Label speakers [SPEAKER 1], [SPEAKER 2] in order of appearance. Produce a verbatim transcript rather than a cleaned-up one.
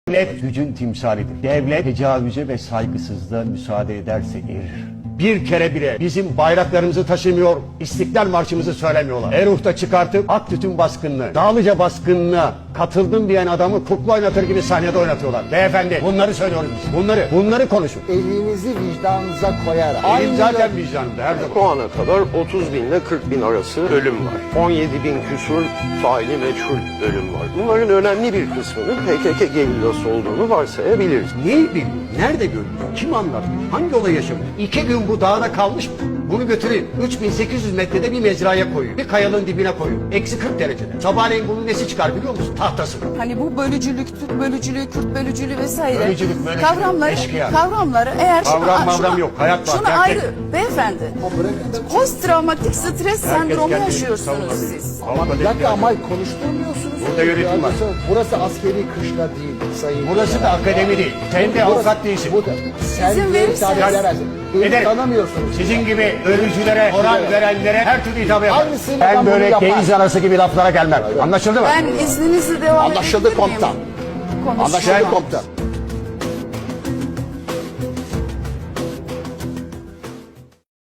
[SPEAKER 1] Devlet gücün timsalidir. Devlet tecavüze ve saygısızlığa müsaade ederse erir. Bir kere bile bizim bayraklarımızı taşımıyor, İstiklal Marşımızı söylemiyorlar. Eruh'ta çıkartıp Aktüt'ün baskınını, Dağlıca baskınına katıldım diyen adamı kukla oynatır gibi sahnede oynatıyorlar. Beyefendi bunları söylüyoruz biz. Bunları, bunları konuşun.
[SPEAKER 2] Elinizi vicdanınıza koyarak.
[SPEAKER 1] Elim zaten vicdanımda her zaman.
[SPEAKER 3] Şu ana kadar otuz bin ile kırk bin arası ölüm var. on yedi bin küsur faili meçhul ölüm var. Bunların önemli bir kısmının P K K gerillası olduğunu varsayabiliriz.
[SPEAKER 1] Neyi biliyor? Nerede görüyor? Kim anlattı? Hangi olay yaşamış? İki gün bu dağda kalmış mı? Bunu götüreyim. üç bin sekiz yüz metrede bir mezraya koyuyor. Bir kayalığın dibine koyuyor. Eksi kırk derecede. Sabahleyin bunun nesi çıkar biliyor musun? Tahtası.
[SPEAKER 4] Hani bu bölücülük, Türk bölücülüğü, Kürt bölücülüğü vesaire
[SPEAKER 1] Bölücülük, bölücülük,
[SPEAKER 4] kavramları,
[SPEAKER 1] eşkıya.
[SPEAKER 4] kavramları eğer
[SPEAKER 1] Kavram, mavram yok, hayat var,
[SPEAKER 4] Şunu
[SPEAKER 1] gerçek.
[SPEAKER 4] ayrı, beyefendi. Post travmatik stres sendromu
[SPEAKER 1] kendini
[SPEAKER 4] yaşıyorsunuz
[SPEAKER 1] savunabilir.
[SPEAKER 4] siz.
[SPEAKER 1] Ama
[SPEAKER 2] Bir dakika ama konuşturmuyorsunuz.
[SPEAKER 1] Burada yönetim var.
[SPEAKER 2] Burası askeri kışla değil sayın.
[SPEAKER 1] Burası da akademi değil. Sen de avukat değilsin.
[SPEAKER 2] Bu da. Sen
[SPEAKER 4] İzin
[SPEAKER 2] diye
[SPEAKER 4] verirseniz-
[SPEAKER 2] hitap edemezsin. Beni
[SPEAKER 1] Ederim.
[SPEAKER 2] tanımıyorsunuz.
[SPEAKER 1] Sizin gibi ölücülere, moral verenlere her türlü hitap yaparım.
[SPEAKER 2] Aynısını
[SPEAKER 1] Ben
[SPEAKER 2] ben bunu
[SPEAKER 1] böyle
[SPEAKER 2] yaparım.
[SPEAKER 1] deniz anası gibi laflara gelmem. Anlaşıldı mı?
[SPEAKER 4] Ben izninizle devam
[SPEAKER 2] Anlaşıldı
[SPEAKER 4] edebilir miyim?
[SPEAKER 2] komutan.
[SPEAKER 4] Konuşmaya.
[SPEAKER 2] Anlaşıldı komutan.